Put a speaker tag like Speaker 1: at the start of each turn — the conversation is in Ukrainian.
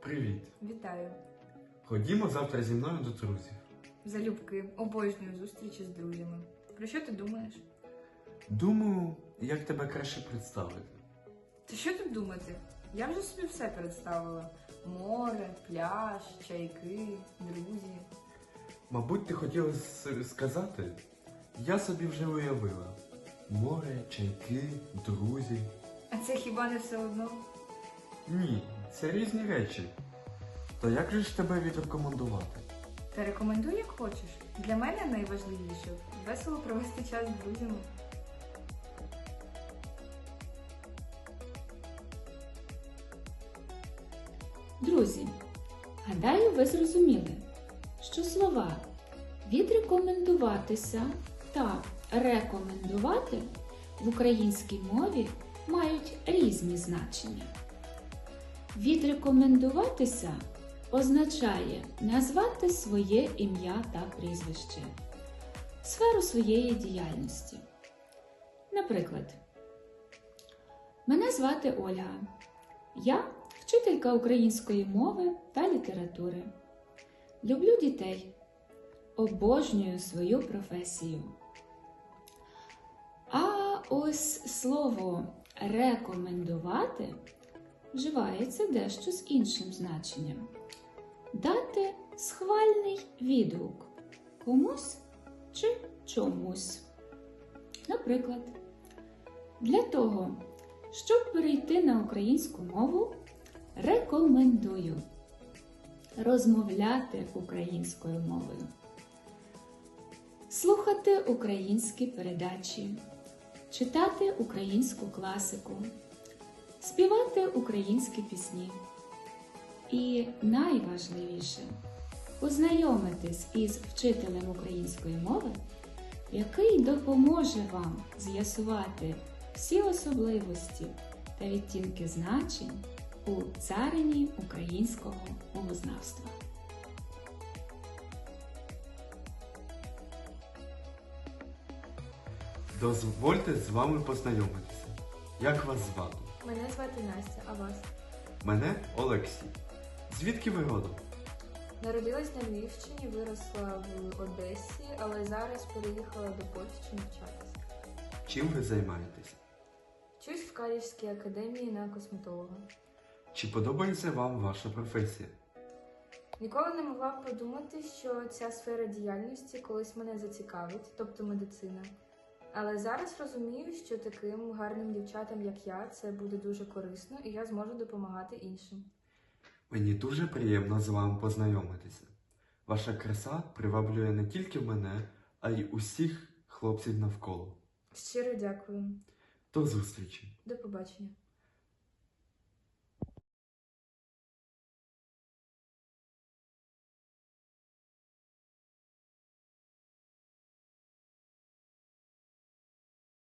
Speaker 1: Привіт!
Speaker 2: Вітаю!
Speaker 1: Ходімо завтра зі мною до друзів.
Speaker 2: Залюбки, обожнюю зустрічі з друзями. Про що ти думаєш?
Speaker 1: Думаю, як тебе краще представити.
Speaker 2: Та що тут думати? Я вже собі все представила. Море, пляж, чайки, друзі.
Speaker 1: Мабуть, ти хотіла сказати? Я собі вже уявила. Море, чайки, друзі.
Speaker 2: А це хіба не все одно?
Speaker 1: Ні, це різні речі. То як же ж тебе відрекомендувати?
Speaker 2: Та рекомендуй, як хочеш. Для мене найважливіше весело провести час з друзями.
Speaker 3: Друзі, гадаю, ви зрозуміли, що слова «відрекомендуватися» та «рекомендувати» в українській мові мають різні значення. Відрекомендуватися означає назвати своє ім'я та прізвище, сферу своєї діяльності. Наприклад, мене звати Ольга. Я вчителька української мови та літератури. Люблю дітей. Обожнюю свою професію. А ось слово «рекомендувати» вживається дещо з іншим значенням. Дати схвальний відгук комусь чи чомусь. Наприклад, для того, щоб перейти на українську мову, рекомендую розмовляти українською мовою, слухати українські передачі, читати українську класику, співати українські пісні. І найважливіше – познайомитись із вчителем української мови, який допоможе вам з'ясувати всі особливості та відтінки значень у царині українського мовознавства.
Speaker 1: Дозвольте з вами познайомитися. Як вас звати?
Speaker 2: Мене звати Настя, а вас?
Speaker 1: Мене Олексій. Звідки ви родом?
Speaker 2: Народилась на Львівщині, виросла в Одесі, але зараз переїхала до Польщі навчатися.
Speaker 1: Чим ви займаєтесь?
Speaker 2: Вчусь в Каліжській академії на косметолога.
Speaker 1: Чи подобається вам ваша професія?
Speaker 2: Ніколи не могла б подумати, що ця сфера діяльності колись мене зацікавить, тобто медицина. Але зараз розумію, що таким гарним дівчатам, як я, це буде дуже корисно, і я зможу допомагати іншим.
Speaker 1: Мені дуже приємно з вами познайомитися. Ваша краса приваблює не тільки мене, а й усіх хлопців навколо.
Speaker 2: Щиро дякую.
Speaker 1: До зустрічі!
Speaker 2: До побачення.